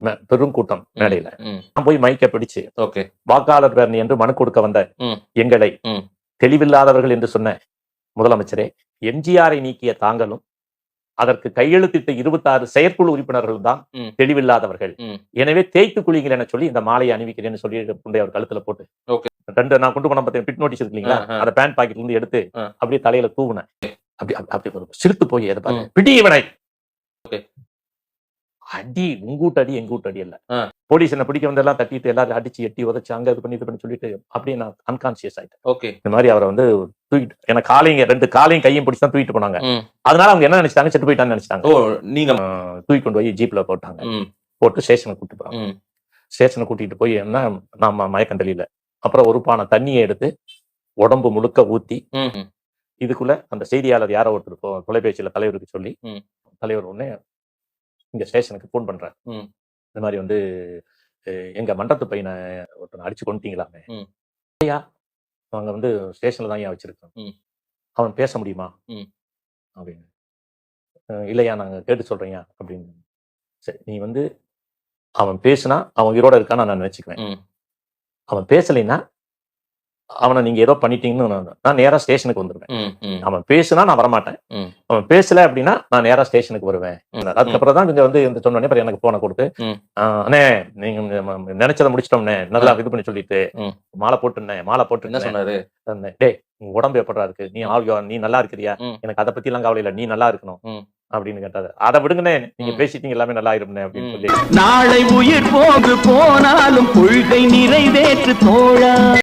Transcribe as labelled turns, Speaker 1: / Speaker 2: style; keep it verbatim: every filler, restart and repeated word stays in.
Speaker 1: பெரும் கூட்டம் மேடையில.
Speaker 2: ம்.
Speaker 1: நான் போய் மைக்க பிடிச்சு
Speaker 2: ஓகே.
Speaker 1: வாக்காளர் பேரணி என்று மனு கொடுக்க வந்த
Speaker 2: ம்.
Speaker 1: எங்களை
Speaker 2: ம்.
Speaker 1: தெளிவில்லாதவர்கள் என்று சொன்ன முதலமைச்சரே, எம்ஜிஆரை நீக்கிய தாங்களும் அதற்கு கையெழுத்திட்ட இருபத்தாறு செயற்குழு உறுப்பினர்கள் தான்
Speaker 2: ம்.
Speaker 1: தெளிவில்லாதவர்கள்.
Speaker 2: ம்.
Speaker 1: எனவே தேய்த்து குளிங்கள் என சொல்லி இந்த மாலையை அணிவிக்கிறேன்னு சொல்லி கொண்டு அவர் கழுத்துல போட்டு
Speaker 2: ஓகே.
Speaker 1: ரெண்டு நான் கொண்டு போன பார்த்தேன் பிட் நோட்டீஸ் இருக்கு இல்லைங்களா,
Speaker 2: ஆ, ஆ.
Speaker 1: அந்த பேண்ட் பாக்கெட்ல இருந்து எடுத்து
Speaker 2: ஆ.
Speaker 1: அப்படியே தலையில தூவுனேன். அப்படி அப்படி- அப்படி ஒரு சிரித்து போய் எதை
Speaker 2: ம்.
Speaker 1: பாரு பிடி இவனை.
Speaker 2: ஓகே.
Speaker 1: அடி உங்கூட்டு அடி எங்கூட்டு அடி இல்ல.
Speaker 2: ஆ.
Speaker 1: போலீஸ் என்ன பிடிக்க வந்தெல்லாம் தட்டிட்டு எல்லாரும் அடிச்சு எட்டி உதச்சு அங்க இது பண்ணி இது பண்ணி சொல்லிட்டு அப்படியே நான் அன்கான்சியஸ் ஆயிட்டேன்.
Speaker 2: ஓகே.
Speaker 1: இந்த மாதிரி அவரை வந்து தூக்கிட்டு எனக்கு காலையும் ரெண்டு காலையும் கையும் பிடிச்சு தான் தூக்கிட்டு போனாங்க.
Speaker 2: ம்.
Speaker 1: அதனால அவங்க என்ன நினைச்சிட்டாங்க, செத்து போயிட்டான்னு நினைச்சிட்டாங்க.
Speaker 2: ஓ நீங்க
Speaker 1: தூக்கி கொண்டு போய் ஜீப்ல போட்டாங்க.
Speaker 2: ம்.
Speaker 1: போட்டு ஸ்டேஷனுக்கு கூட்டிட்டு போறாங்க.
Speaker 2: ம்.
Speaker 1: ஸ்டேஷனை கூட்டிட்டு போய் என்ன நாம மயக்கம் தெரியல. அப்புறம் ஒரு பானை தண்ணியை எடுத்து உடம்பு முழுக்க ஊத்தி
Speaker 2: ம். ம்.
Speaker 1: இதுக்குள்ள அந்த செய்தியாளர் யாரோ ஒருத்தர் தொ- தொலைபேசியில தலைவருக்கு சொல்லி
Speaker 2: ம்.
Speaker 1: தலைவர் உடனே இங்க ஸ்டேஷனுக்கு போன் பண்றாரு.
Speaker 2: ம்.
Speaker 1: இந்த மாதிரி வந்து அஹ், எங்க மண்டத்து பையனை ஒருத்தனை அடிச்சு கொண்டுட்டீங்களாமே.
Speaker 2: ம்.
Speaker 1: ஐயா அவங்க வந்து ஸ்டேஷன்ல தான் ஏன் வச்சிருக்கோம்,
Speaker 2: ம்.
Speaker 1: அவன் பேச முடியுமா
Speaker 2: ம்.
Speaker 1: அப்படின்னு. அஹ், இல்லையா நாங்க கேட்டு சொல்றேன்யா அப்படின்னு. சரி நீ வந்து அவன் பேசுனா அவன் உயிரோட இருக்கான்னு நான் நினைச்சுக்குவேன்.
Speaker 2: ம்.
Speaker 1: அவன் பேசலைன்னா அவனை நீங்க ஏதோ பண்ணிட்டீங்கன்னு நான் நான் நேரா ஸ்டேஷனுக்கு வந்துருவேன்.
Speaker 2: ம். ம்.
Speaker 1: அவன் பேசுனா நான் வரமாட்டேன்.
Speaker 2: ம்.
Speaker 1: அவன் பேசல அப்படின்னா நான் நேரா ஸ்டேஷனுக்கு வருவேன்.
Speaker 2: ம்.
Speaker 1: அதுக்கப்புறம் தான் கொஞ்சம் வந்து இந்த சொன்னோடனே அப்புறம் எனக்கு போனை கொடுத்து
Speaker 2: ம்.
Speaker 1: "ஆஹ், அண்ணே நீங்க ம- நினைச்சதை முடிச்சிட்டோம்னே நல்லா இது பண்ணி சொல்லிட்டு
Speaker 2: ம்.
Speaker 1: மாலை போட்டுனேன் மாலை
Speaker 2: என்ன
Speaker 1: போட்டு
Speaker 2: சொன்னாரு?
Speaker 1: டேய் உங்க உடம்பு எப்படா இருக்கு, நீ ஆள்யோ நீ நல்லா இருக்கிறியா,
Speaker 2: ம்.
Speaker 1: எனக்கு அதை பத்தி எல்லாம் கவலை இல்லை, நீ நல்லா இருக்கணும்
Speaker 2: ம்.
Speaker 1: அப்படின்னு கேட்டாரு. அதை விடுங்கண்ணே, நீங்க
Speaker 2: ம்.
Speaker 1: பேசிட்டீங்க எல்லாமே நல்லா இருப்பேன் அப்படின்னு
Speaker 2: ம்.
Speaker 1: சொல்லி
Speaker 3: நாளை உயிர் போகு போனாலும் கொள்கை நிறைவேற்று தோழா.